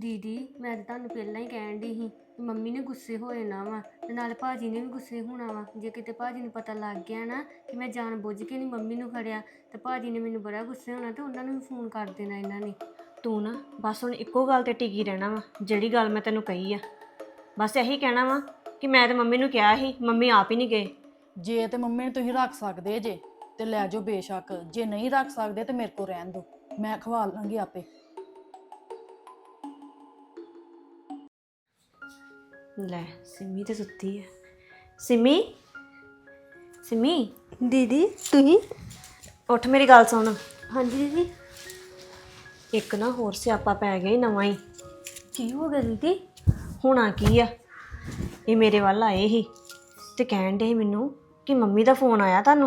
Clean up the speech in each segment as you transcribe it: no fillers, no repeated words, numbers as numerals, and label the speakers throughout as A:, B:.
A: ਦੀਦੀ ਮੈਂ ਤਾਂ ਤੁਹਾਨੂੰ ਪਹਿਲਾਂ ਹੀ ਕਹਿਣ ਦੀ ਸੀ ਕਿ ਮੰਮੀ ਨੇ ਗੁੱਸੇ ਹੋ ਜਾਣਾ ਵਾ ਤੇ ਨਾਲ ਭਾਜੀ ਨੇ ਵੀ ਗੁੱਸੇ ਹੋਣਾ ਵਾ। ਜੇ ਕਿਤੇ ਭਾਜੀ ਨੂੰ ਪਤਾ ਲੱਗ ਗਿਆ ਨਾ ਕਿ ਮੈਂ ਜਾਣ ਬੁੱਝ ਕੇ ਨਹੀਂ ਮੰਮੀ ਨੂੰ ਖੜਿਆ ਤੇ ਭਾਜੀ ਨੇ ਮੈਨੂੰ ਬੜਾ ਗੁੱਸੇ ਹੋਣਾ ਤੇ ਉਹਨਾਂ ਨੂੰ ਵੀ ਫੋਨ ਕਰ ਦੇਣਾ ਇਹਨਾਂ ਨੇ।
B: ਤੂੰ ਨਾ ਬਸ ਹੁਣ ਇੱਕੋ ਗੱਲ ਤੇ ਟਿਕੀ ਰਹਿਣਾ ਵਾ, ਜਿਹੜੀ ਗੱਲ ਮੈਂ ਤੈਨੂੰ ਕਹੀ ਆ ਬਸ ਇਹੀ ਕਹਿਣਾ ਵਾ ਕਿ ਮੈਂ ਤੇ ਮੰਮੀ ਨੂੰ ਕਿਹਾ ਸੀ, ਮੰਮੀ ਆਪ ਹੀ ਨਹੀਂ ਗਏ।
C: ਜੇ ਤੇ ਮੰਮੀ ਨੂੰ ਤੁਸੀਂ ਰੱਖ ਸਕਦੇ ਜੇ ਤੇ ਲੈ ਜਾਓ ਬੇਸ਼ੱਕ, ਜੇ ਨਹੀਂ ਰੱਖ ਸਕਦੇ ਤੇ ਮੇਰੇ ਕੋਲ ਰਹਿਣ ਦਿਓ, ਮੈਂ ਖਵਾ ਲਾਂਗੀ ਆਪੇ।
B: ਲੈ ਸਿੰਮੀ ਤੇ ਸੁੱਤੀ ਹੈ। ਸਿੰਮੀ ਸਿੰਮੀ
A: ਦੀਦੀ ਤੁਸੀਂ?
B: ਉੱਠ ਮੇਰੀ ਗੱਲ ਸੁਣ।
A: ਹਾਂਜੀ ਦੀਦੀ।
B: ਇੱਕ ਨਾ ਹੋਰ ਸਿਆਪਾ ਪੈ ਗਿਆ ਈ ਨਵਾਂ ਹੀ।
A: ਕੀ ਹੋ ਗਿਆ ਦੀਦੀ?
B: ਹੋਣਾ ਕੀ ਆ, ਇਹ ਮੇਰੇ ਵੱਲ ਆਏ ਸੀ ਤੇ ਕਹਿਣ ਡੇ ਸੀ ਮੈਨੂੰ ਕਿ ਮੰਮੀ ਦਾ ਫੋਨ ਆਇਆ ਤੁਹਾਨੂੰ,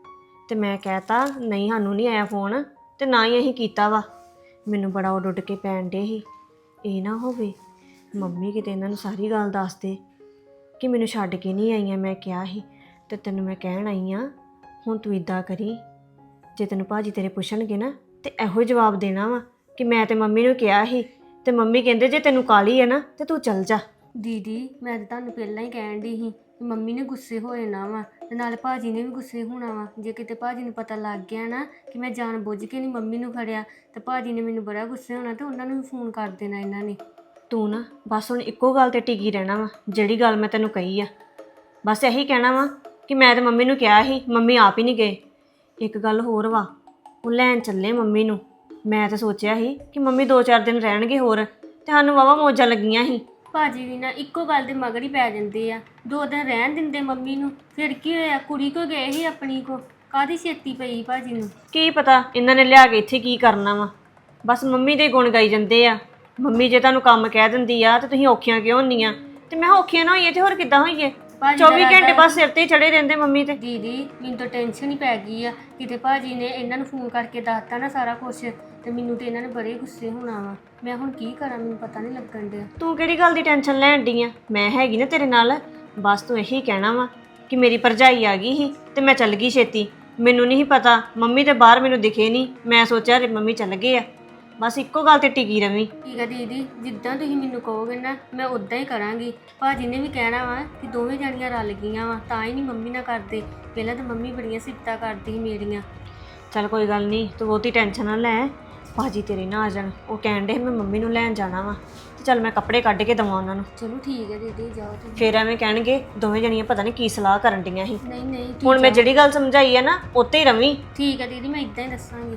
B: ਤੇ ਮੈਂ ਕਹਿਤਾ ਨਹੀਂ ਸਾਨੂੰ ਨਹੀਂ ਆਇਆ ਫੋਨ ਤੇ ਨਾ ਹੀ ਅਸੀਂ ਕੀਤਾ ਵਾ। ਮੈਨੂੰ ਬੜਾ ਉੱਡ ਕੇ ਪੈਣ ਡੇ ਸੀ ਇਹ ਨਾ ਹੋਵੇ ਮੰਮੀ ਕਿਤੇ ਇਹਨਾਂ ਨੂੰ ਸਾਰੀ ਗੱਲ ਦੱਸ ਦੇ ਕਿ ਮੈਨੂੰ ਛੱਡ ਕੇ ਨਹੀਂ ਆਈਆਂ। ਮੈਂ ਕਿਹਾ ਸੀ ਤੇ ਤੈਨੂੰ ਮੈਂ ਕਹਿਣ ਆਈ ਆ, ਹੁਣ ਤੂੰ ਇੱਦਾਂ ਕਰੀ, ਜੇ ਤੈਨੂੰ ਭਾਜੀ ਤੇਰੇ ਪੁੱਛਣਗੇ ਨਾ ਤੇ ਇਹੋ ਜਵਾਬ ਦੇਣਾ ਵਾ ਕਿ ਮੈਂ ਤੇ ਮੰਮੀ ਨੂੰ ਕਿਹਾ ਸੀ ਤੇ ਮੰਮੀ ਕਹਿੰਦੇ ਜੇ ਤੈਨੂੰ ਕਾਹਲੀ ਹੈ ਨਾ ਤੇ ਤੂੰ ਚੱਲ ਜਾ।
A: ਦੀਦੀ ਮੈਂ ਤਾਂ ਤੁਹਾਨੂੰ ਪਹਿਲਾਂ ਹੀ ਕਹਿਣ ਦੀ ਸੀ ਕਿ ਮੰਮੀ ਨੇ ਗੁੱਸੇ ਹੋ ਜਾਣਾ ਵਾ ਤੇ ਨਾਲ ਭਾਜੀ ਨੇ ਵੀ ਗੁੱਸੇ ਹੋਣਾ ਵਾ। ਜੇ ਕਿਤੇ ਭਾਜੀ ਨੂੰ ਪਤਾ ਲੱਗ ਗਿਆ ਨਾ ਕਿ ਮੈਂ ਜਾਣ ਬੁੱਝ ਕੇ ਨਹੀਂ ਮੰਮੀ ਨੂੰ ਖੜਿਆ ਤੇ ਭਾਜੀ ਨੇ ਮੈਨੂੰ ਬੜਾ ਗੁੱਸੇ ਹੋਣਾ ਤੇ ਉਹਨਾਂ ਨੂੰ ਵੀ ਫੋਨ ਕਰ ਦੇਣਾ ਇਹਨਾਂ ਨੇ।
B: ਤੂੰ ਨਾ ਬਸ ਹੁਣ ਇੱਕੋ ਗੱਲ ਤੇ ਟਿਕੀ ਰਹਿਣਾ ਵਾ, ਜਿਹੜੀ ਗੱਲ ਮੈਂ ਤੈਨੂੰ ਕਹੀ ਆ ਬਸ ਇਹੀ ਕਹਿਣਾ ਵਾ ਕਿ ਮੈਂ ਤੇ ਮੰਮੀ ਨੂੰ ਕਿਹਾ ਸੀ, ਮੰਮੀ ਆਪ ਹੀ ਨਹੀਂ ਗਏ। ਇੱਕ ਗੱਲ ਹੋਰ ਵਾ, ਉਹ ਲੈਣ ਚੱਲੇ ਮੰਮੀ ਨੂੰ। ਮੈਂ ਤਾਂ ਸੋਚਿਆ ਸੀ ਕਿ ਮੰਮੀ 2-4 ਦਿਨ ਰਹਿਣਗੇ ਹੋਰ ਤੇ ਸਾਨੂੰ ਵਾਵਾ ਮੌਜਾਂ ਲੱਗੀਆਂ ਸੀ।
A: ਭਾਜੀ ਵੀ ਨਾ ਇੱਕੋ ਗੱਲ ਦੇ ਮਗਰ ਹੀ ਪੈ ਜਾਂਦੇ ਆ, 2 ਦਿਨ ਰਹਿਣ ਦਿੰਦੇ ਮੰਮੀ ਨੂੰ। ਫਿਰ ਕੀ ਹੋਇਆ, ਕੁੜੀ ਕੋ ਗਏ ਸੀ ਆਪਣੀ ਕੋ, ਕਾਹਦੀ ਛੇਤੀ ਪਈ ਭਾਜੀ ਨੂੰ?
B: ਕੀ ਪਤਾ ਇਹਨਾਂ ਨੇ ਲਿਆ ਕੇ ਇੱਥੇ ਕੀ ਕਰਨਾ ਵਾ, ਬਸ ਮੰਮੀ ਦੇ ਗੁਣ ਗਾਈ ਜਾਂਦੇ ਆ। ਮੰਮੀ ਜੇ ਤੁਹਾਨੂੰ ਕੰਮ ਕਹਿ ਦਿੰਦੀ ਆ ਤੇ ਤੁਸੀਂ ਔਖੀਆਂ ਕਿਉਂ ਹੁੰਦੀਆਂ? ਤੇ ਮੈਂ ਔਖੀਆਂ ਨਾ ਹੋਈਏ ਤੇ ਹੋਰ ਕਿੱਦਾਂ ਹੋਈਏ? 24 ਘੰਟੇ ਬਸ ਸਿਰ ਤੇ ਹੀ ਚੜੇ ਰਹਿੰਦੇ ਮੰਮੀ ਤੇ।
A: ਦੀਦੀ ਮੈਨੂੰ ਤਾਂ ਟੈਨਸ਼ਨ ਹੀ ਪੈ ਗਈ ਆ, ਕਿਤੇ ਭਾਜੀ ਨੇ ਇਹਨਾਂ ਨੂੰ ਫੋਨ ਕਰਕੇ ਦੱਸਤਾ ਨਾ ਸਾਰਾ ਕੁਝ ਤੇ ਮੈਨੂੰ ਤੇ ਇਹਨਾਂ ਨੇ ਬੜੇ ਗੁੱਸੇ ਹੋਣਾ ਵਾ। ਮੈਂ ਹੁਣ ਕੀ ਕਰਾਂ, ਮੈਨੂੰ ਪਤਾ ਨਹੀਂ ਲੱਗਣ ਡਿਆ।
B: ਤੂੰ ਕਿਹੜੀ ਗੱਲ ਦੀ ਟੈਨਸ਼ਨ ਲੈਣ ਡਈ ਆ? ਮੈਂ ਹੈਗੀ ਨਾ ਤੇਰੇ ਨਾਲ। ਬਸ ਤੂੰ ਇਹੀ ਕਹਿਣਾ ਵਾ ਕਿ ਮੇਰੀ ਭਰਜਾਈ ਆ ਗਈ ਸੀ ਤੇ ਮੈਂ ਚੱਲ ਗਈ ਛੇਤੀ। ਮੈਨੂੰ ਨਹੀਂ ਪਤਾ, ਮੰਮੀ ਤੇ ਬਾਹਰ ਮੈਨੂੰ ਦਿਖੇ ਨਹੀਂ, ਮੈਂ ਸੋਚਿਆ ਮੰਮੀ ਚੱਲ ਗਏ ਆ। ਬਸ ਇੱਕੋ ਗੱਲ ਤੇ ਟਿਕੀ ਰਵੀਂ।
A: ਠੀਕ ਹੈ ਦੀਦੀ, ਜਿੱਦਾਂ ਤੁਸੀਂ ਮੈਨੂੰ ਕਹੋਗੇ ਨਾ ਮੈਂ ਉਦਾਂ ਹੀ ਕਰਾਂਗੀ। ਭਾਜੀ ਨੇ ਵੀ ਕਹਿਣਾ ਵਾ ਕਿ ਦੋਵੇਂ ਜਾਣੀਆਂ ਰਲ ਗਈਆਂ ਵਾ ਤਾਂ ਹੀ ਨਹੀਂ ਮੰਮੀ ਨਾਲ ਕਰਦੇ। ਪਹਿਲਾਂ ਤਾਂ ਮੰਮੀ ਬੜੀਆਂ ਸਿਫਤਾਂ ਕਰਦੀ ਸੀ ਮੇਰੀਆਂ।
B: ਚੱਲ ਕੋਈ ਗੱਲ ਨਹੀਂ, ਤੂੰ ਬਹੁਤੀ ਟੈਨਸ਼ਨ ਨਾ ਲੈ। ਭਾਜੀ ਤੇਰੇ ਨਾ ਆ ਜਾਣ, ਉਹ ਕਹਿਣ ਡੇ ਮੈਂ ਮੰਮੀ ਨੂੰ ਲੈਣ ਜਾਣਾ ਵਾ ਤੇ ਚੱਲ ਮੈਂ ਕੱਪੜੇ ਕੱਢ ਕੇ ਦਵਾਂ ਉਹਨਾਂ ਨੂੰ।
A: ਚਲੋ ਠੀਕ ਹੈ ਦੀਦੀ, ਜਾਓ ਤੁਸੀਂ।
B: ਫਿਰ ਐਵੇਂ ਕਹਿਣਗੇ ਦੋਵੇਂ ਜਣੀਆਂ ਪਤਾ ਨਹੀਂ ਕੀ ਸਲਾਹ ਕਰਨ ਡੀਆਂ ਸੀ।
A: ਨਹੀਂ ਨਹੀਂ
B: ਹੁਣ ਮੈਂ ਜਿਹੜੀ ਗੱਲ ਸਮਝਾਈ ਆ ਨਾ ਉੱਤੇ ਹੀ ਰਵੀਂ।
A: ਠੀਕ ਹੈ ਦੀਦੀ, ਮੈਂ ਇਦਾਂ ਹੀ ਦੱਸਾਂਗੀ।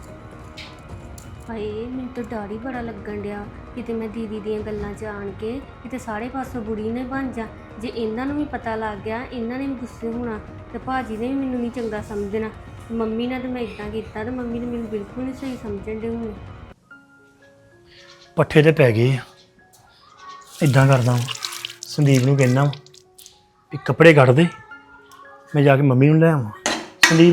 A: ਹਾਏ ਮੈਨੂੰ ਤਾਂ ਡਰ ਹੀ ਬੜਾ ਲੱਗਣ ਡਿਆ, ਕਿਤੇ ਮੈਂ ਦੀਦੀ ਦੀਆਂ ਗੱਲਾਂ 'ਚ ਆਣ ਕੇ ਕਿਤੇ ਸਾਰੇ ਪਾਸੋਂ ਬੁਰੀ ਨੇ ਬਣ ਜਾ। ਜੇ ਇਹਨਾਂ ਨੂੰ ਵੀ ਪਤਾ ਲੱਗ ਗਿਆ ਇਹਨਾਂ ਨੇ ਵੀ ਗੁੱਸੇ ਹੋਣਾ ਤੇ ਭਾਜੀ ਨੇ ਵੀ ਮੈਨੂੰ ਨਹੀਂ ਚੰਗਾ ਸਮਝਣਾ। ਮੰਮੀ ਨਾਲ ਤਾਂ ਮੈਂ ਇਦਾਂ ਕੀਤਾ ਤੇ ਮੰਮੀ ਨੇ ਮੈਨੂੰ ਬਿਲਕੁਲ ਨਹੀਂ ਸਹੀ ਸਮਝਣ ਡੇ ਹੁਣ।
D: ਪੱਠੇ ਤੇ ਪੈ ਗਏ ਆ। ਇਦਾਂ ਕਰਦਾ ਵਾਂ, ਸੰਦੀਪ ਨੂੰ ਕਹਿਣਾ ਵਾ ਵੀ ਕੱਪੜੇ ਕੱਢ ਦੇ, ਮੈਂ ਜਾ ਕੇ ਮੰਮੀ ਨੂੰ ਲੈ ਆਵਾਂ। ਸੰਦੀਪ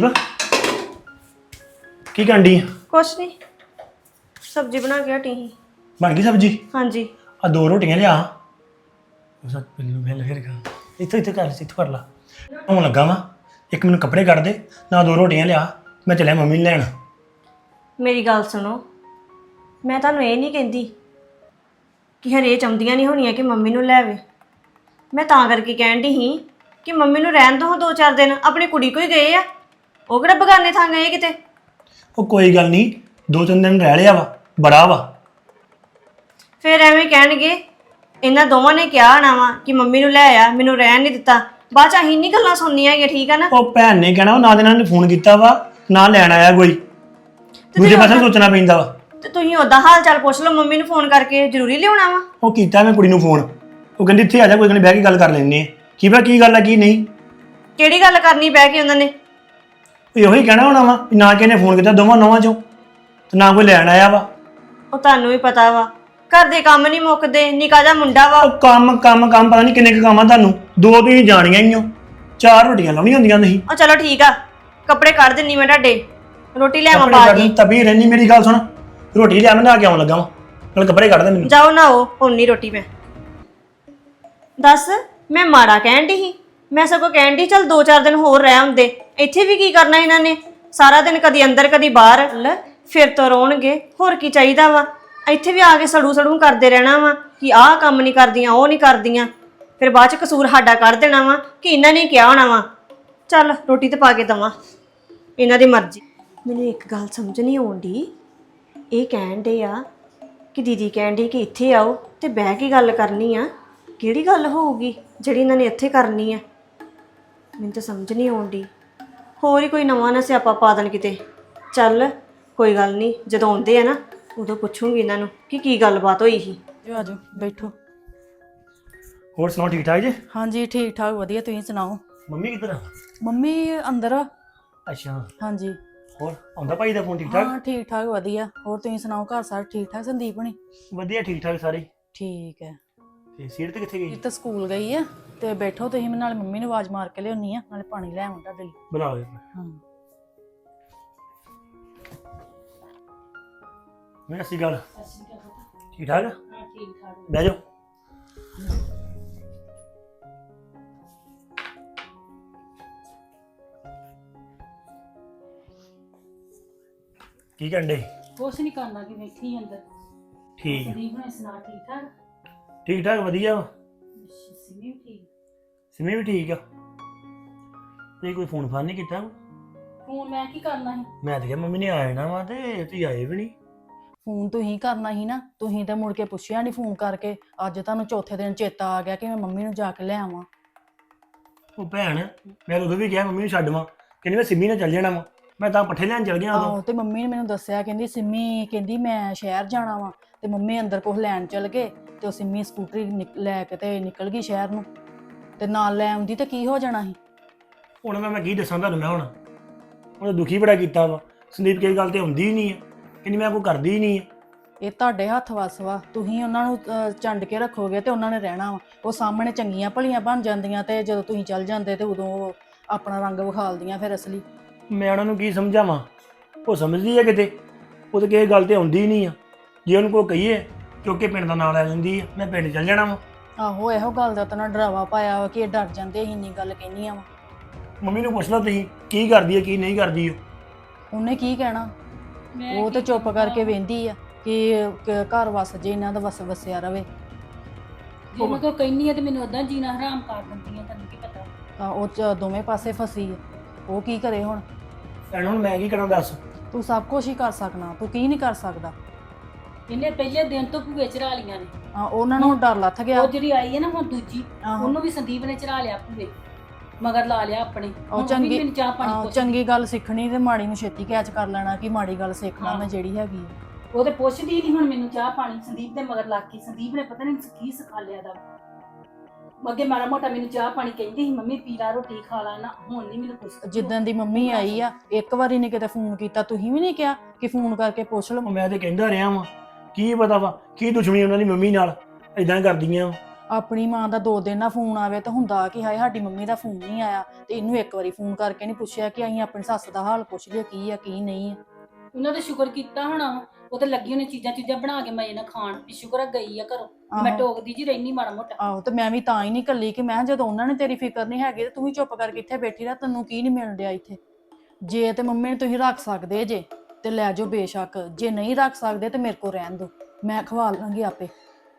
D: ਕੀ ਕਰਦੀ ਆ?
B: ਕੁਛ ਨਹੀਂ, ਸਬਜ਼ੀ ਬਣਾ ਕੇ ਹਟੀ ਸੀ।
D: ਬਣ ਗਈ ਸਬਜ਼ੀ?
B: ਹਾਂਜੀ।
D: ਆ 2 ਰੋਟੀਆਂ ਲਿਆ। ਉਹ ਸੱਚ ਪਿੱਲੂ ਫੇਲ ਫਿਰ ਕਰ ਇੱਥੇ ਕਰ ਲਾ। ਹੁਣ ਲੱਗਾ ਵਾ, ਇੱਕ ਮੈਨੂੰ ਕੱਪੜੇ ਕੱਢ ਦੇ ਨਾ 2 ਰੋਟੀਆਂ ਲਿਆ, ਮੈਂ ਚੱਲਿਆ ਮੰਮੀ ਨੂੰ ਲੈਣ।
B: ਮੇਰੀ ਗੱਲ ਸੁਣੋ, ਮੈਂ ਤੁਹਾਨੂੰ ਇਹ ਨਹੀਂ ਕਹਿੰਦੀ ਕਿ ਹਰੇ ਚਾਹੁੰਦੀਆਂ ਨਹੀਂ ਹੋਣੀਆਂ ਕਿ ਮੰਮੀ ਨੂੰ ਲੈ ਆਵੇ। ਮੈਂ ਤਾਂ ਕਰਕੇ ਕਹਿਣ ਦੀ ਸੀ ਕਿ ਮੰਮੀ ਨੂੰ ਰਹਿਣ ਦੋ 2-4 ਦਿਨ, ਆਪਣੀ ਕੁੜੀ ਕੋਈ ਗਏ ਆ, ਉਹ ਕਿਹੜਾ ਬਗਾਨੇ ਥਾਂ ਗਏ ਕਿਤੇ।
D: ਉਹ ਕੋਈ ਗੱਲ ਨਹੀਂ, 2-3 ਦਿਨ ਰਹਿ ਲਿਆ ਵਾ, ਬੜਾ ਵਾ।
B: ਫਿਰ ਐਵੇਂ ਕਹਿਣਗੇ ਇਹਨਾਂ ਦੋਵਾਂ ਨੇ ਕਿਹਾ ਹੋਣਾ ਵਾ ਕਿ ਮੰਮੀ ਨੂੰ ਲੈ ਆ, ਮੈਨੂੰ ਰਹਿਣ ਨਹੀਂ ਦਿੱਤਾ। ਬਾਅਦ ਚ ਅਸੀਂ ਨਹੀਂ ਗੱਲਾਂ ਸੁਣਨੀਆਂ ਹੈਗੀਆਂ, ਠੀਕ ਆ ਨਾ?
D: ਉਹ ਭੈਣ ਨੇ ਕਹਿਣਾ ਨਾ ਇਹਨਾਂ ਨੇ ਫੋਨ ਕੀਤਾ ਵਾ ਨਾ ਲੈਣ ਆਇਆ ਕੋਈ, ਦੂਜੇ ਪਾਸੇ ਸੋਚਣਾ ਪੈਂਦਾ ਵਾ।
B: ਤੇ ਤੁਸੀਂ ਉਹਦਾ ਹਾਲ ਚਾਲ ਪੁੱਛ ਲਓ ਮੰਮੀ ਨੂੰ ਫੋਨ ਕਰਕੇ, ਜ਼ਰੂਰੀ ਲਿਆਉਣਾ ਵਾ?
D: ਉਹ ਕੀਤਾ ਮੈਂ ਕੁੜੀ ਨੂੰ ਫੋਨ, ਉਹ ਕਹਿੰਦੀ ਇੱਥੇ ਆ ਜਾ, ਕੋਈ ਗੱਲ ਨਹੀਂ ਬਹਿ ਕੇ ਗੱਲ ਕਰ ਲੈਂਦੇ ਆ। ਕੀ ਪਤਾ ਕੀ ਗੱਲ ਆ ਕੀ ਨਹੀਂ।
B: ਕਿਹੜੀ ਗੱਲ ਕਰਨੀ ਬਹਿ ਕੇ ਉਹਨਾਂ ਨੇ?
D: ਇਹੋ ਹੀ ਕਹਿਣਾ ਹੋਣਾ ਵਾ ਨਾ ਕਿਸੇ ਨੇ ਫੋਨ ਕੀਤਾ ਦੋਵਾਂ ਨੌਵਾਂ ਚੋਂ ਤੇ ਨਾ ਕੋਈ ਲੈਣ ਆਇਆ ਵਾ।
B: ਉਹ ਤੁਹਾਨੂੰ ਵੀ ਪਤਾ ਵਾ ਘਰ ਦੇ ਕੰਮ ਨਹੀਂ ਮੁੱਕਦੇ, ਨਿੱਕਾ ਜਿਹਾ ਮੁੰਡਾ ਵਾ।
D: ਉਹ ਕੰਮ ਪਤਾ ਨਹੀਂ ਕਿੰਨੇ ਕੁ ਕੰਮ ਆ ਤੁਹਾਨੂੰ, 2 ਤੁਸੀਂ ਜਾਣੀਆਂ ਹੀ ਹੋ, 4 ਰੋਟੀਆਂ ਲਾਉਣੀਆਂ ਹੁੰਦੀਆਂ ਤੁਸੀਂ।
B: ਉਹ ਚਲੋ ਠੀਕ ਆ, ਕੱਪੜੇ ਕੱਢ ਦਿੰਨੀ ਮੈਂ ਤੁਹਾਡੇ, ਰੋਟੀ ਲਿਆਵਾਂ ਪਾ ਕੇ।
D: ਤਬੀ ਰਹਿਣੀ, ਮੇਰੀ ਗੱਲ ਸੁਣ, ਰੋਟੀ ਲਿਆ ਮੈਂ ਨਹਾ ਕੇ ਆਉਣ ਲੱਗਾ ਵਾ, ਨਾਲ ਕੱਪੜੇ ਕੱਢ ਦੇ ਮੈਨੂੰ।
B: ਜਾਓ ਨਾ, ਉਹ ਉਨੀ ਰੋਟੀ ਮੈਂ ਦੱਸ ਮੈਂ ਮਾੜਾ ਕਹਿਣ ਦੀ ਸੀ? ਮੈਂ ਸਗੋਂ ਕਹਿਣ ਦੀ ਚੱਲ 2-4 ਦਿਨ ਹੋਰ ਰਹਿ ਹੁੰਦੇ। ਇੱਥੇ ਵੀ ਕੀ ਕਰਨਾ ਇਹਨਾਂ ਨੇ, ਸਾਰਾ ਦਿਨ ਕਦੀ ਅੰਦਰ ਕਦੀ ਬਾਹਰ। ਫਿਰ ਤੋਂ ਰੋਣਗੇ, ਹੋਰ ਕੀ ਚਾਹੀਦਾ ਵਾ? ਇੱਥੇ ਵੀ ਆ ਕੇ ਸੜੂ ਸੜੂ ਕਰਦੇ ਰਹਿਣਾ ਵਾ ਕਿ ਆਹ ਕੰਮ ਨਹੀਂ ਕਰਦੀਆਂ ਉਹ ਨਹੀਂ ਕਰਦੀਆਂ, ਫਿਰ ਬਾਅਦ ਚ ਕਸੂਰ ਸਾਡਾ ਕੱਢ ਦੇਣਾ ਵਾ ਕਿ ਇਹਨਾਂ ਨੇ ਕਿਹਾ ਹੋਣਾ ਵਾ। ਚੱਲ ਰੋਟੀ ਤੇ ਪਾ ਕੇ ਦਵਾਂ, ਇਹਨਾਂ ਦੀ ਮਰਜ਼ੀ। ਮੈਨੂੰ ਇੱਕ ਗੱਲ ਸਮਝ ਨਹੀਂ ਆਉਂਦੀ, ਇਹ ਕਹਿਣ ਡੇ ਆ ਕਿ ਦੀਦੀ ਕਹਿਣ ਡੇ ਕਿ ਇੱਥੇ ਆਓ ਤੇ ਬਹਿ ਕੇ ਗੱਲ ਕਰਨੀ ਆ। ਕਿਹੜੀ ਗੱਲ ਹੋਊਗੀ ਜਿਹੜੀ ਇਹਨਾਂ ਨੇ ਇੱਥੇ ਕਰਨੀ ਆ? ਮੈਨੂੰ ਤਾਂ ਸਮਝ ਨਹੀਂ ਆਉਂਦੀ। ਹੋਰ ਹੀ ਕੋਈ ਨਵਾਂ ਨਾ ਸਿਆਪਾ ਪਾ ਦੇਣ ਕਿਤੇ। ਚੱਲ ਕੋਈ ਗੱਲ ਨਹੀਂ, ਜਦੋਂ ਆਉਂਦੇ ਆ ਨਾ ਉਦੋਂ ਪੁੱਛੂੰਗੀ ਇਹਨਾਂ ਨੂੰ ਕਿ ਕੀ ਗੱਲਬਾਤ ਹੋਈ ਸੀ।
C: ਜੋ ਆਜੋ ਬੈਠੋ।
D: ਹੋਰ ਸੁਣਾਓ, ਠੀਕ ਠਾਕ ਜੀ?
C: ਹਾਂਜੀ ਠੀਕ ਠਾਕ ਵਧੀਆ, ਤੁਸੀਂ ਸੁਣਾਓ?
D: ਮੰਮੀ ਕਿੱਧਰ ਆ?
C: ਮੰਮੀ ਅੰਦਰ ਆ।
D: ਅੱਛਾ,
C: ਹਾਂਜੀ
D: ਹੋਰ ਆਉਂਦਾ ਭਾਈ ਦਾ ਫੋਨ ਠੀਕ ਠਾਕ?
C: ਹਾਂ ਠੀਕ ਠਾਕ ਵਧੀਆ। ਹੋਰ ਤੁਸੀਂ ਸੁਣਾਓ, ਘਰ ਸਾਰੇ ਠੀਕ ਠਾਕ? ਸੰਦੀਪ ਹਣੀ
D: ਵਧੀਆ ਠੀਕ ਠਾਕ ਸਾਰੇ।
C: ਠੀਕ ਹੈ।
D: ਤੇ ਸੀਟ ਤੇ ਕਿੱਥੇ
C: ਇਹ
D: ਗਈ?
C: ਤਾਂ ਸਕੂਲ ਗਈ ਆ ਤੇ ਬੈਠੋ ਤੁਸੀਂ, ਮੈਂ ਨਾਲੇ ਮੰਮੀ ਨੂੰ ਆਵਾਜ਼ ਮਾਰ ਕੇ ਲਿਆਉਣੀ ਆ, ਨਾਲੇ ਪਾਣੀ ਲੈ ਆਵਾਂ ਤੁਹਾਡੇ ਲਈ।
D: ਬੁਲਾ ਲਿਆ।
C: ਹਾਂ
D: ਮੈਂ ਅਸੀਂ ਗੱਲ ਠੀਕ ਠਾਕ?
A: ਠੀਕ ਠਾਕ।
D: ਬਹਿ ਜਾਓ। ਕੀ ਕਰਨ ਡੇ?
A: ਕੁਛ ਨਹੀਂ ਕਰਨਾ ਕਿ ਬੈਠੀ ਅੰਦਰ।
D: ਠੀਕ
A: ਸੰਦੀਪ ਨੇ ਸੁਣਾ ਠੀਕ ਠਾਕ?
D: ਠੀਕ ਠਾਕ ਵਧੀਆ ਵਾ।
A: ਸਿੰਮੀ ਵੀ ਠੀਕ?
D: ਸਿਮੀ ਵੀ ਠੀਕ ਆ। ਤੇ ਕੋਈ ਫੋਨ ਫਾਨ ਨਹੀਂ ਕੀਤਾ?
A: ਫੋਨ ਮੈਂ ਕੀ ਕਰਨਾ ਸੀ?
D: ਮੈਂ ਤਾਂ ਕਿਹਾ ਮੰਮੀ ਨੇ ਆਏ ਨਾ ਵਾ ਤੇ ਤੁਸੀਂ ਆਏ ਵੀ ਨਹੀਂ।
C: ਫੋਨ ਤੁਸੀਂ ਕਰਨਾ ਸੀ ਨਾ, ਤੁਸੀਂ ਤਾਂ ਮੁੜ ਕੇ ਪੁੱਛਿਆ ਨਹੀਂ ਫੋਨ ਕਰਕੇ। ਅੱਜ ਤੁਹਾਨੂੰ ਚੌਥੇ ਦਿਨ ਚੇਤਾ ਆ ਗਿਆ ਕਿ ਮੈਂ ਮੰਮੀ ਨੂੰ ਜਾ ਕੇ ਲੈ ਆਵਾਂ।
D: ਉਹ ਭੈਣ, ਮੈਂ ਉਦੋਂ ਵੀ ਕਿਹਾ ਮੰਮੀ ਨੂੰ ਛੱਡਵਾਂ, ਕਹਿੰਦੀ ਮੈਂ ਸਿਮੀ ਨਾਲ ਚੱਲ ਜਾਣਾ ਵਾ। ਮੈਂ ਤਾਂ ਪੱਠੇ ਲੈਣ ਚੱਲ ਗਿਆ ਉਦੋਂ।
C: ਆਹੋ ਤੇ ਮੰਮੀ ਨੇ ਮੈਨੂੰ ਦੱਸਿਆ, ਕਹਿੰਦੀ ਸਿੰਮੀ ਕਹਿੰਦੀ ਮੈਂ ਸ਼ਹਿਰ ਜਾਣਾ ਵਾ, ਤੇ ਮੰਮੀ ਅੰਦਰ ਕੁਛ ਲੈਣ ਚਲ ਗਏ ਤੇ ਉਹ ਸਿੰਮੀ ਸਕੂਟਰੀ ਲੈ ਕੇ ਤੇ ਨਿਕਲ ਗਈ ਸ਼ਹਿਰ ਨੂੰ, ਤੇ ਨਾਲ ਲੈ ਆਉਂਦੀ ਤੇ ਕੀ ਹੋ ਜਾਣਾ ਸੀ।
D: ਹੁਣ ਮੈਂ ਕੀ ਦੱਸਾਂ ਤੁਹਾਨੂੰ, ਮੈਂ ਹੁਣ ਉਹਨੇ ਦੁਖੀ ਬੜਾ ਕੀਤਾ ਵਾ। ਸੰਦੀਪ ਕਿਸੇ ਗੱਲ ਤੇ ਆਉਂਦੀ ਹੀ ਨਹੀਂ ਹੈ, ਕਹਿੰਦੀ ਮੈਂ ਕੋਈ ਕਰਦੀ ਹੀ ਨਹੀਂ ਹੈ।
C: ਇਹ ਤੁਹਾਡੇ ਹੱਥ ਵੱਸ ਵਾ, ਤੁਸੀਂ ਉਹਨਾਂ ਨੂੰ ਚੰਡ ਕੇ ਰੱਖੋਗੇ ਤੇ ਉਹਨਾਂ ਨੇ ਰਹਿਣਾ ਵਾ। ਉਹ ਸਾਹਮਣੇ ਚੰਗੀਆਂ ਭਲੀਆਂ ਬਣ ਜਾਂਦੀਆਂ ਤੇ ਜਦੋਂ ਤੁਸੀਂ ਚੱਲ ਜਾਂਦੇ ਤੇ ਉਦੋਂ ਉਹ ਆਪਣਾ ਰੰਗ ਵਿਖਾਲਦੀਆਂ ਫਿਰ ਅਸਲੀ।
D: ਮੈਂ ਉਹਨਾਂ ਨੂੰ ਕੀ ਸਮਝਾਵਾਂ? ਉਹ ਸਮਝਦੀ ਹੈ ਕਿਤੇ, ਉਹ ਤਾਂ ਕਿਸੇ ਗੱਲ ਤੇ ਆਉਂਦੀ ਹੀ ਨਹੀਂ ਆ। ਜੇ ਉਹਨੂੰ ਕੋਈ ਕਹੀਏ ਕਿਉਂਕਿ ਪਿੰਡ ਦਾ ਨਾਂ ਲੈ ਲੈਂਦੀ ਆ, ਮੈਂ ਪਿੰਡ ਚੱਲ ਜਾਣਾ ਵਾ।
C: ਆਹੋ ਇਹੋ ਗੱਲ ਦਾ ਤਾਂ ਨਾ ਡਰਾਵਾ ਪਾਇਆ ਵਾ ਕਿ ਇਹ ਡਰ ਜਾਂਦੇ, ਅਸੀਂ ਇੰਨੀ ਗੱਲ ਕਹਿੰਦੀਆਂ ਵਾ।
D: ਮੰਮੀ ਨੂੰ ਪੁੱਛ ਲਓ ਤੁਸੀਂ ਕੀ ਕਰਦੀ ਹੈ ਕੀ ਨਹੀਂ ਕਰਦੀ।
C: ਉਹਨੇ ਕੀ ਕਹਿਣਾ? ਉਹ ਤੇ ਚੁੱਪ ਕਰਕੇ ਵੇਂਦੀ ਆ ਕਿ ਘਰ ਵਸ ਜੇ, ਇਹਨਾਂ ਦਾ ਵਸਿਆ ਰਵੇ।
A: ਜੇ ਮੈਂ ਕੋਈ ਕਹਿਨੀ ਆ ਤੇ ਮੈਨੂੰ ਉਦਾਂ ਜੀਣਾ ਹਰਾਮ ਕਰ ਦਿੰਦੀ ਆ, ਤੈਨੂੰ ਕੀ ਪਤਾ?
C: ਤਾਂ ਉਹ ਦੋਵੇਂ ਪਾਸੇ ਫਸੀ ਆ, ਉਹ ਕੀ ਕਰੇ ਹੁਣ?
D: ਭੈਣ ਹੁਣ ਮੈਂ ਕੀ ਕਰਾਂ ਦੱਸ?
C: ਤੂੰ ਸਭ ਕੁਝ ਹੀ ਕਰ ਸਕਣਾ, ਤੂੰ ਕੀ ਨਹੀਂ ਕਰ ਸਕਦਾ?
A: ਇਹਨੇ ਪਹਿਲੇ ਦਿਨ ਤੋਂ ਭੂਏ ਚੜਾ ਲੀਆਂ ਨੇ।
C: ਉਹਨਾਂ ਨੂੰ ਡਰ ਲੱਥ ਗਿਆ।
A: ਉਹ ਜਿਹੜੀ ਆਈ ਹੈ ਨਾ ਹੁਣ ਦੂਜੀ,
C: ਆਹੋ।
A: ਉਹਨੂੰ ਵੀ ਸੰਦੀਪ ਨੇ ਚੜਾ ਲਿਆ ਭੂਏ, ਮਗਰ ਲਾ ਲਿਆ ਆਪਣੇ।
C: ਉਹ
A: ਹੁਣ
C: ਚੰਗੀ
A: ਮੈਨੂੰ ਚਾਹ ਪਾਣੀ ਪੁੱਛ।
C: ਚੰਗੀ ਗੱਲ ਸਿੱਖਣੀ ਤੇ ਮਾੜੀ ਨੂੰ ਛੇਤੀ ਕੈਚ ਕਰ ਲੈਣਾ ਕਿ ਮਾੜੀ ਗੱਲ ਸਿੱਖਣਾ ਮੈਂ ਜਿਹੜੀ ਹੈਗੀ ਆ।
A: ਉਹ ਤੇ ਪੁੱਛਦੀ ਨਹੀਂ ਹੁਣ ਮੈਨੂੰ ਚਾਹ ਪਾਣੀ। ਸੰਦੀਪ ਦੇ ਮਗਰ ਲੱਗ ਕੇ, ਸੰਦੀਪ ਨੇ ਪਤਾ ਨਹੀਂ ਕੀ ਸਿਖਾ ਲਿਆ ਦਾ। ਅੱਗੇ ਮਾੜਾ ਮੋਟਾ ਮੈਨੂੰ ਚਾਹ ਪਾਣੀ ਕਹਿੰਦੀ ਸੀ, ਮੰਮੀ ਪੀ ਲਾ ਰੋਟੀ ਖਾ ਲਾ ਨਾ, ਹੁਣ ਨਹੀਂ ਮੈਨੂੰ ਪੁੱਛਦੀ।
C: ਜਿੱਦਣ ਦੀ ਮੰਮੀ ਆਈ ਆ ਇੱਕ ਵਾਰੀ ਨੇ ਕਿਤੇ ਫੋਨ ਕੀਤਾ, ਤੁਸੀਂ ਵੀ ਨਹੀਂ ਕਿਹਾ ਕਿ ਫੋਨ ਕਰਕੇ ਪੁੱਛ ਲਓ?
D: ਮੈਂ ਤੇ ਕਹਿੰਦਾ ਰਿਹਾ ਵਾਂ, ਕੀ ਪਤਾ ਵਾ ਕੀ ਦੁਸ਼ਮਣੀ ਉਹਨਾਂ ਦੀ ਮੰਮੀ ਨਾਲ ਇਦਾਂ ਕਰਦੀਆਂ।
C: ਆਪਣੀ ਮਾਂ ਦਾ 2 ਦਿਨ ਨਾ ਫੋਨ ਆਵੇ ਤਾਂ ਹੁੰਦਾ ਕਿ ਹਾਏ ਸਾਡੀ ਮੰਮੀ ਦਾ ਫੋਨ ਨਹੀਂ ਆਇਆ, ਤੇ ਇਹਨੂੰ ਇੱਕ ਵਾਰੀ ਫੋਨ ਕਰਕੇ ਨਹੀਂ ਪੁੱਛਿਆ ਕਿ ਅਸੀਂ ਆਪਣੀ ਸੱਸ ਦਾ ਹਾਲ ਪੁੱਛ ਲਈਏ ਕੀ ਆ ਕੀ ਨਹੀਂ ਆ।
A: ਉਹਨਾਂ ਦਾ ਸ਼ੁਕਰ ਕੀਤਾ ਹੋਣਾ, ਉਹ ਤੇ ਲੱਗੀ ਉਹਨੇ ਚੀਜ਼ਾਂ ਬਣਾ ਕੇ ਮਜ਼ੇ ਨਾਲ ਖਾਣ, ਵੀ ਸ਼ੁਕਰ ਆ ਗਈ ਆ ਘਰੋਂ। ਮੈਂ ਟੋਕਦੀ ਜੀ ਰਹਿਨੀ ਮਾੜਾ ਮੋਟਾ।
C: ਆਹੋ ਤੇ ਮੈਂ ਵੀ ਤਾਂ ਹੀ ਨਹੀਂ ਕੱਲੀ ਕਿ ਮੈਂ ਜਦੋਂ ਉਹਨਾਂ ਨੇ ਤੇਰੀ ਫਿਕਰ ਨਹੀਂ ਹੈਗੀ ਤੇ ਤੂੰ ਵੀ ਚੁੱਪ ਕਰਕੇ ਇੱਥੇ ਬੈਠੀ ਰਹਿ, ਤੈਨੂੰ ਕੀ ਨਹੀਂ ਮਿਲ ਰਿਹਾ ਇੱਥੇ? ਜੇ ਤੇ ਮੰਮੀ ਨੂੰ ਤੁਸੀਂ ਰੱਖ ਸਕਦੇ ਜੇ ਤੇ ਲੈ ਜਾਓ ਬੇਸ਼ੱਕ, ਜੇ ਨਹੀਂ ਰੱਖ ਸਕਦੇ ਤੇ ਮੇਰੇ ਕੋਲ ਰਹਿਣ ਦਿਓ, ਮੈਂ ਖਵਾ ਲਾਂਗੀ ਆਪੇ।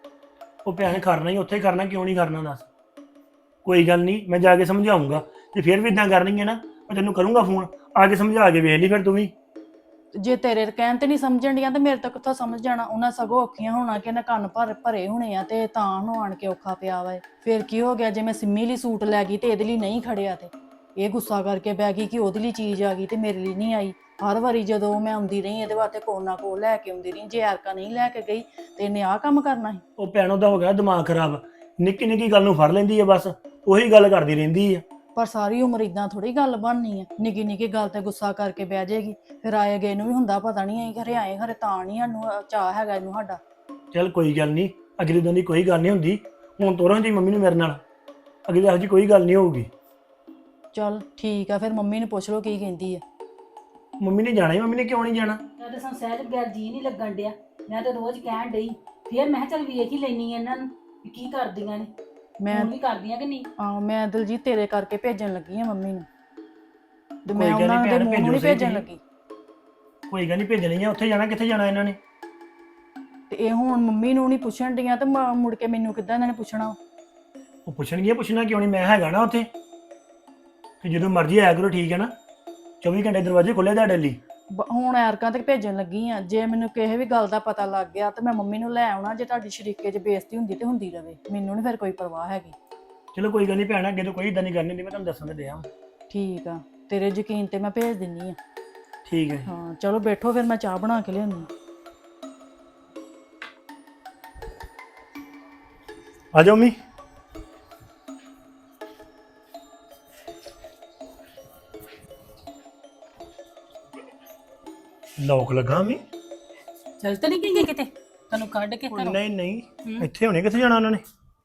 D: ਉਹ ਭੈਣ ਕਰਨਾ ਹੀ ਉੱਥੇ ਕਰਨਾ, ਕਿਉਂ ਨਹੀਂ ਕਰਨਾ ਦੱਸ? ਕੋਈ ਗੱਲ ਨਹੀਂ, ਮੈਂ ਜਾ ਕੇ ਸਮਝਾਉਂਗਾ। ਤੇ ਫਿਰ ਵੀ ਇਦਾਂ ਕਰਨਗੇ ਨਾ, ਮੈਂ ਤੈਨੂੰ ਕਰੂੰਗਾ ਫੋਨ, ਆ ਕੇ ਸਮਝਾ ਕੇ ਵੇਖ ਲਈ ਫਿਰ ਤੂੰ ਵੀ।
C: ਜੇ ਤੇਰੇ ਕਹਿਣ ਤੇ ਨਹੀਂ ਸਮਝਣ ਡੀਆਂ ਤੇ ਮੇਰੇ ਤੋਂ ਕਿੱਥੋਂ ਸਮਝ ਜਾਣਾ? ਉਹਨਾਂ ਸਗੋਂ ਔਖੀਆਂ ਹੋਣਾ ਕਿ ਇਹਨਾਂ ਕੰਨ ਭਰੇ ਹੋਣੇ ਆ ਤੇ ਤਾਂ ਉਹਨੂੰ ਆਣ ਕੇ ਔਖਾ ਪਿਆ ਵਾ। ਫਿਰ ਕੀ ਹੋ ਗਿਆ ਜੇ ਮੈਂ ਸਿੰਮੀ ਲਈ ਸੂਟ ਲੈ ਗਈ ਤੇ ਇਹਦੇ ਲਈ ਨਹੀਂ ਖੜਿਆ, ਤੇ ਇਹ ਗੁੱਸਾ ਕਰਕੇ ਬਹਿ ਗਈ ਕਿ ਉਹਦੇ ਲਈ ਚੀਜ਼ ਆ ਗਈ ਤੇ ਮੇਰੇ ਲਈ ਨਹੀਂ ਆਈ। ਹਰ ਵਾਰੀ ਜਦੋਂ ਮੈਂ ਆਉਂਦੀ ਰਹੀ ਇਹਦੇ ਵਾਸਤੇ ਕੋਲ ਨਾ ਕੋਲ ਲੈ ਕੇ ਆਉਂਦੀ ਰਹੀ, ਜੇ ਐਰਕਾ ਨਹੀਂ ਲੈ ਕੇ ਗਈ ਤੇ ਇਹਨੇ ਆਹ ਕੰਮ ਕਰਨਾ ਸੀ।
D: ਉਹ ਭੈਣ ਉਹਦਾ ਹੋ ਗਿਆ ਦਿਮਾਗ ਖਰਾਬ, ਨਿੱਕੀ ਨਿੱਕੀ ਗੱਲ ਨੂੰ ਫੜ ਲੈਂਦੀ ਹੈ, ਬਸ ਉਹੀ ਗੱਲ ਕਰਦੀ ਰਹਿੰਦੀ ਹੈ।
C: ਪਰ ਸਾਰੀ ਉਮਰ ਇਦਾਂ ਥੋੜੀ ਗੱਲ ਬਣਨੀ ਆ, ਨਿੱਕੀ ਨਿੱਕੀ ਗੱਲ ਤੇ ਗੁੱਸਾ ਕਰਕੇ ਬਹਿ ਜਾਏਗੀ। ਫਿਰ ਆਏ ਗਏ ਨੂੰ ਵੀ ਹੁੰਦਾ ਪਤਾ ਨਹੀਂ ਆਈ ਘਰੇ ਆਏ ਘਰੇ ਤਾਂ ਨਹੀਂ ਸਾਨੂੰ ਚਾਹ ਹੈਗਾ ਇਹਨੂੰ ਸਾਡਾ।
D: ਚੱਲ ਕੋਈ ਗੱਲ ਨਹੀਂ, ਅਗਲੀ ਦਿਨ ਦੀ ਕੋਈ ਗੱਲ ਨਹੀਂ ਹੁੰਦੀ। ਹੁਣ ਤੋਰਾਂ ਜੀ ਮੰਮੀ ਨੂੰ ਮੇਰੇ ਨਾਲ, ਅਗਲੀ ਇਹੋ ਜਿਹੀ ਕੋਈ ਗੱਲ ਨਹੀਂ ਹੋਊਗੀ।
C: ਚੱਲ ਠੀਕ ਆ, ਫਿਰ ਮੰਮੀ ਨੂੰ ਪੁੱਛ ਲਓ ਕੀ ਕਹਿੰਦੀ ਆ।
D: ਮੰਮੀ ਨੇ ਜਾਣਾ ਹੀ, ਮੰਮੀ ਨੇ ਕਿਉਂ ਨਹੀਂ ਜਾਣਾ?
A: ਮੈਂ ਤਾਂ ਸਹਿਜ ਬਗੈਰ ਜੀ ਨਹੀਂ ਲੱਗਣ ਡਿਆ, ਮੈਂ ਤਾਂ ਰੋਜ਼ ਕਹਿਣ ਡਈ। ਫਿਰ ਮੈਂ ਕਿਹਾ ਚੱਲ ਵੇਖ ਹੀ ਲੈਣੀ ਆ ਇਹਨਾਂ ਨੂੰ ਵੀ ਕੀ ਕਰਦੀਆਂ ਨੇ,
C: ਮੈਂ
A: ਵੀ ਕਰਦੀਆਂ ਕਿ ਨਹੀਂ।
C: ਮੈਂ ਦਿਲਜੀਤ ਤੇਰੇ ਕਰਕੇ ਭੇਜਣ ਲੱਗੀ ਆ ਮੰਮੀ ਨੂੰ, ਤੇ
D: ਕੋਈ
C: ਮੈਂ
D: ਗੱਲ ਨੀ
C: ਉਹਨਾਂ ਦੇ
D: ਭੈਣ,
C: ਮੂੰਹ ਨੂੰ ਨਹੀਂ
D: ਭੇਜੋ ਸਹੀ
C: ਭੇਜਣ
D: ਤੁਸੀਂ।
C: ਲੱਗੀ।
D: ਕੋਈ ਗੱਲ ਨਹੀਂ, ਭੇਜਣੀਆਂ। ਉੱਥੇ ਜਾਣਾ, ਕਿੱਥੇ ਜਾਣਾ ਇਹਨਾਂ ਨੇ?
C: ਤੇ ਤੇ ਇਹ ਹੁਣ ਮੰਮੀ ਨੂੰ ਨਹੀਂ ਪੁੱਛਣ ਡੀਆਂ ਤੇ ਮੁੜ ਕੇ ਮੈਨੂੰ ਕਿੱਦਾਂ ਇਹਨਾਂ ਨੇ ਪੁੱਛਣਾ।
D: ਉਹ ਪੁੱਛਣਗੇ, ਪੁੱਛਣਾ ਕਿਉਂ ਨਹੀਂ, ਮੈਂ ਹੈਗਾ ਨਾ ਉੱਥੇ। ਤੇ ਜਦੋਂ ਮਰਜ਼ੀ ਆਇਆ ਕਰੋ, ਠੀਕ ਹੈ ਨਾ? 24 ਘੰਟੇ ਦਰਵਾਜ਼ੇ ਖੁੱਲੇ ਤੁਹਾਡੇ ਲਈ।
C: ਹੁਣ ਐਰਕਾਂ ਤੱਕ ਭੇਜਣ ਲੱਗੀ ਆ, ਜੇ ਮੈਨੂੰ ਕਿਸੇ ਵੀ ਗੱਲ ਦਾ ਪਤਾ ਲੱਗ ਗਿਆ ਤੇ ਮੈਂ ਮੰਮੀ ਨੂੰ ਲੈ ਆਉਣਾ। ਜੇ ਤੁਹਾਡੀ ਸ਼ਰੀਕੇ 'ਚ ਬੇਇੱਜ਼ਤੀ ਹੁੰਦੀ ਤੇ ਹੁੰਦੀ ਰਵੇ, ਮੈਨੂੰ ਨਹੀਂ ਫਿਰ ਕੋਈ ਪਰਵਾਹ ਹੈਗੀ।
D: ਚਲੋ ਕੋਈ ਗੱਲ ਨਹੀਂ ਭੈਣ, ਅੱਗੇ ਤੋਂ ਕੋਈ ਇਦਾਂ ਨਹੀਂ ਕਰਨੀ ਹੁੰਦੀ, ਮੈਂ ਤੁਹਾਨੂੰ ਦੱਸਣ ਤੇ ਦਿਆਂ।
C: ਠੀਕ ਆ, ਤੇਰੇ ਯਕੀਨ ਤੇ ਮੈਂ ਭੇਜ ਦਿੰਨੀ ਆ।
D: ਠੀਕ ਹੈ।
C: ਹਾਂ ਚਲੋ ਬੈਠੋ, ਫਿਰ ਮੈਂ ਚਾਹ ਬਣਾ ਕੇ ਲਿਆਉਂਦੀ।
D: ਆ ਜਾਓ ਮੰਮੀ। ਲੋਕ ਲੱਗਾ ਮੰਮੀ?
E: ਚੱਲ ਤਾਂ ਨਹੀਂ ਗਈ ਕਿਤੇ ਤੈਨੂੰ ਕੱਢ ਕੇ ਘਰੋਂ?
D: ਨਹੀਂ ਨਹੀਂ, ਇੱਥੇ ਹੋਣੇ, ਕਿੱਥੇ ਜਾਣਾ ਉਹਨਾਂ ਨੇ?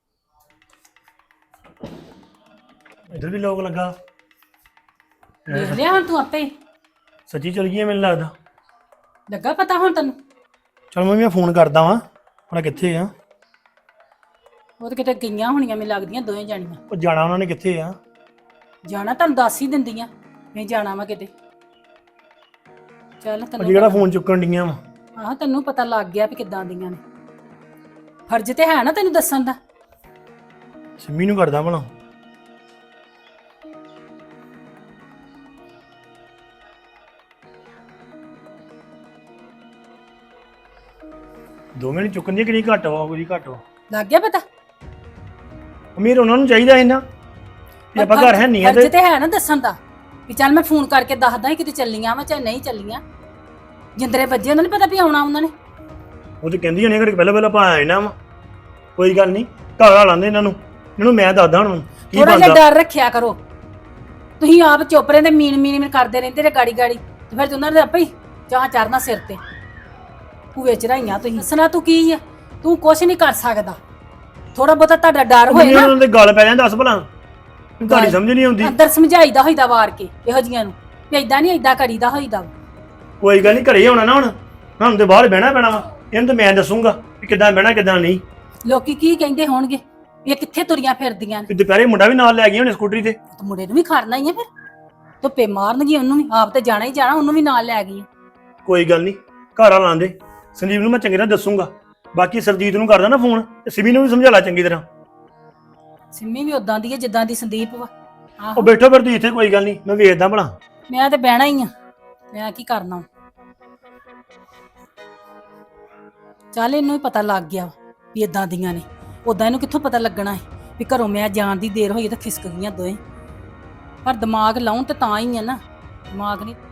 D: ਇੱਧਰ ਵੀ ਲੋਕ ਲੱਗਾ।
E: ਦੇਖ ਲਿਆ ਹੁਣ ਤੂੰ ਆਪੇ ਹੀ?
D: ਸੱਚੀ ਚਲ ਗਈ ਮੈਨੂੰ ਲੱਗਦਾ।
E: ਲੱਗਾ ਪਤਾ ਹੁਣ ਤੈਨੂੰ?
D: ਚਲ ਮੰਮੀ ਮੈਂ ਫੋਨ ਕਰਦਾ ਵਾਂ, ਭਲਾ ਕਿੱਥੇ ਆ?
E: ਉਹ ਤਾਂ ਕਿਤੇ ਗਈਆਂ ਹੋਣੀਆਂ ਮੈਨੂੰ ਲੱਗਦੀਆਂ ਦੋਵੇਂ ਜਾਣੀਆਂ।
D: ਉਹ ਜਾਣਾ ਉਹਨਾਂ ਨੇ ਕਿੱਥੇ ਆ?
E: ਜਾਣਾ ਤੁਹਾਨੂੰ ਦੱਸ ਹੀ ਦਿੰਦੀਆਂ ਨਹੀਂ ਜਾਣਾ ਵਾ ਕਿਤੇ। ਚੱਲ
D: ਉਹ
E: ਤੈਨੂੰ
D: ਜਿਹੜਾ ਫੋਨ ਚੁੱਕਣ ਡੀਆਂ ਵਾ।
E: ਆਹ ਤੈਨੂੰ ਪਤਾ ਲੱਗ ਗਿਆ ਵੀ ਕਿੱਦਾਂ ਦੀਆਂ ਨੇ। ਫਰਜ਼ ਤੇ ਹੈ ਨਾ ਤੈਨੂੰ ਦੱਸਣ ਦਾ।
D: ਸਿੰਮੀ ਨੂੰ ਕਰਦਾ ਭਲਾ। ਦੋ ਮਿੰਟ ਚੁੱਕਣ ਦੀ ਕਿਹੜੀ ਘੱਟ ਵਾ, ਕੋਈ ਘੱਟ ਵਾ।
E: ਲੱਗ ਗਿਆ ਪਤਾ?
D: ਅਮੀਰ ਉਹਨਾਂ ਨੂੰ ਚਾਹੀਦਾ ਇਹਨਾਂ ਵੀ ਆਪਾਂ ਘਰ ਹੈ ਨਹੀਂ ਆ
E: ਫਰਜ਼
D: ਤੇ
E: ਤੇ ਹੈ ਨਾ ਦੱਸਣ ਦਾ ਵੀ ਚੱਲ ਮੈਂ ਫੋਨ ਕਰਕੇ ਦੱਸਦਾ ਹੀ ਕਿਤੇ ਚੱਲੀਆਂ ਵਾ ਚਾਹੇ ਨਹੀਂ ਚੱਲੀਆਂ। ਜਿੰਦਰੇ ਵੱਜੇ ਉਹਨਾਂ ਨੇ ਪਤਾ ਵੀ ਆਉਣਾ ਉਹਨਾਂ ਨੇ।
D: ਉਹ ਤੇ ਕਹਿੰਦੀ ਹੋਣੀ ਕਿ ਪਹਿਲਾਂ ਆਪਾਂ ਆਏ ਨਾ ਵਾ। ਕੋਈ ਗੱਲ ਨਹੀਂ, ਘਰ ਆ ਲਾਂਦੇ ਇਹਨਾਂ ਨੂੰ ਮੈਂ ਦੱਸਦਾ ਹੁਣ ਕੀ
E: ਥੋੜਾ ਜਿਹਾ
D: ਬਣਦਾ।
E: ਡਰ ਰੱਖਿਆ ਕਰੋ। ਤੁਸੀਂ ਆਪ ਚੋਪਰੇ ਦੇ ਮੀਨ ਕਰਦੇ ਰਹਿੰਦੇ ਤੇ ਗਾੜੀ ਗਾੜੀ ਤੇ ਫਿਰ ਉਹਨਾਂ ਦੇ ਆਪੇ ਹੀ ਚਾਹ ਚੜਨਾ ਸਿਰ ਤੇ। ਭੂਏ ਚੜਾਈਆਂ ਤੁਸੀਂ। ਦੱਸਣਾ ਤੂੰ ਕੀ ਆ? ਤੂੰ ਕੁਛ ਨਹੀਂ ਕਰ ਸਕਦਾ। ਥੋੜਾ ਬਹੁਤਾ ਤੁਹਾਡਾ ਡਰ ਹੋਏ ਨਾ,
D: ਉਹਨਾਂ ਦੇ ਗੱਲ ਪੈ ਜਾਂਦਾ, ਦੱਸ ਭਲਾ ਤੁਹਾਡੀ ਸਮਝ ਨਹੀਂ ਆਉਂਦੀ।
E: ਅੰਦਰ ਸਮਝਾਈਦਾ ਹੋਈਦਾ ਵਾਰ ਕੇ ਇਹੋ ਜੀਆਂ ਨੂੰ ਵੀ ਏਦਾਂ ਨਹੀਂ ਏਦਾਂ ਕਰੀਦਾ ਹੋਈਦਾ।
D: ਕੋਈ ਗੱਲ ਨਹੀਂ, ਘਰੇ ਆਉਣਾ ਨਾ ਹੁਣ ਤੇ ਬਾਹਰ ਬਹਿਣਾ ਪੈਣਾ ਵਾ। ਇਹਨੂੰ ਤਾਂ ਮੈਂ ਦੱਸੂਗਾ ਵੀ ਕਿੱਦਾਂ ਬਹਿਣਾ ਕਿੱਦਾਂ ਨਹੀਂ।
E: ਲੋਕੀ ਕੀ ਕਹਿੰਦੇ ਹੋਣਗੇ ਇਹ ਕਿੱਥੇ ਤੁਰੀਆਂ ਫਿਰਦੀਆਂ ਨੇ?
D: ਤੇ ਦੁਪਹਿਰੇ ਮੁੰਡਾ ਵੀ ਨਾਲ ਲੈ ਗਈ ਹੁਣ ਸਕੂਟਰੀ ਤੇ।
E: ਤੇ ਮੁੰਡੇ ਨੂੰ ਵੀ ਖੜਨਾ ਹੀ ਆ, ਫਿਰ ਧੁੱਪੇ ਮਾਰਨਗੀ ਉਹਨੂੰ ਵੀ। ਆਪ ਤੇ ਜਾਣਾ ਹੀ ਜਾਣਾ, ਉਹਨੂੰ ਵੀ ਨਾਲ ਲੈ ਗਈ।
D: ਕੋਈ ਗੱਲ ਨਹੀਂ, ਘਰ ਆ ਲਾਂਦੇ। ਸੰਦੀਪ ਨੂੰ ਮੈਂ ਚੰਗੀ ਤਰ੍ਹਾਂ ਦੱਸੂਗਾ। ਬਾਕੀ ਸਰਜੀਤ ਨੂੰ ਕਰਦਾ ਨਾ ਫੋਨ, ਤੇ ਸਿਮੀ ਨੂੰ ਵੀ ਸਮਝਾ ਲਾ ਚੰਗੀ ਤਰ੍ਹਾਂ।
E: ਸਿੰਮੀ ਵੀ ਉਦਾਂ ਦੀ ਹੈ ਜਿੱਦਾਂ ਦੀ ਸੰਦੀਪ ਵਾ।
D: ਉਹ
E: ਆਹੋ
D: ਬੈਠੋ ਫਿਰ ਤੁਸੀਂ ਇੱਥੇ, ਕੋਈ ਗੱਲ ਨਹੀਂ, ਮੈਂ ਵੇਖਦਾ ਭਲਾ।
E: ਮੈਂ ਤੇ ਬਹਿਣਾ ਹੀ ਆ, ਮੈਂ ਕੀ ਕਰਨਾ। ਚੱਲ ਇਹਨੂੰ ਵੀ ਪਤਾ ਲੱਗ ਗਿਆ ਵੀ ਇਦਾਂ ਦੀਆਂ ਨੇ। ਉਦਾਂ ਇਹਨੂੰ ਕਿੱਥੋਂ ਪਤਾ ਲੱਗਣਾ ਹੈ ਵੀ ਘਰੋਂ ਮੈਂ ਜਾਣ ਦੀ ਦੇਰ ਹੋਈ ਤਾਂ ਖਿਸਕ ਗਈਆਂ ਦੋਵੇਂ। ਪਰ ਦਿਮਾਗ ਲਾਉਣ ਤੇ ਤਾਂ ਹੀ ਆ ਨਾ, ਦਿਮਾਗ ਨਹੀਂ।